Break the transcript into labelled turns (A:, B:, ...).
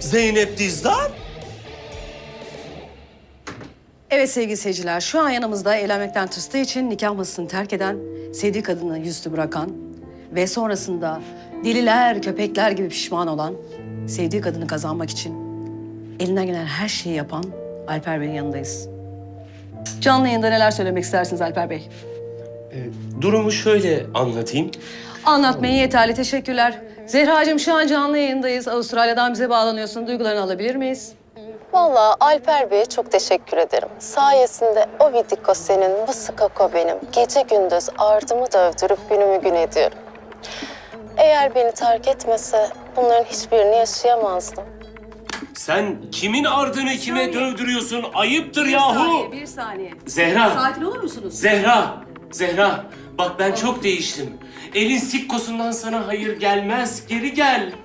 A: Zeynep Dizdar?
B: Evet sevgili seyirciler, şu an yanımızda evlenmekten tırstığı için nikah masasını terk eden, sevdiği kadını yüzüstü bırakan ve sonrasında deliler, köpekler gibi pişman olan, sevdiği kadını kazanmak için elinden gelen her şeyi yapan Alper Bey'in yanındayız. Canlı yayında neler söylemek istersiniz Alper Bey?
A: Durumu şöyle anlatayım.
B: Anlatmayın yeterli, teşekkürler. Zehracığım şu an canlı yayındayız. Avustralya'dan bize bağlanıyorsun. Duygularını alabilir miyiz?
C: Vallahi Alper Bey'e çok teşekkür ederim. Sayesinde o vidiko senin, bu skako benim. Gece gündüz ardımı dövdürüp günümü gün ediyorum. Eğer beni terk etmese bunların hiçbirini yaşayamazdım.
A: Sen kimin ardını kime
B: saniye.
A: dövdürüyorsun? Ayıptır
B: Bir
A: yahu.
B: saniye, bir saniye.
A: Zehra.
B: Sakin olur musunuz?
A: Zehra. Bak ben çok değiştim. Elin sikkosundan sana hayır gelmez. Geri gel.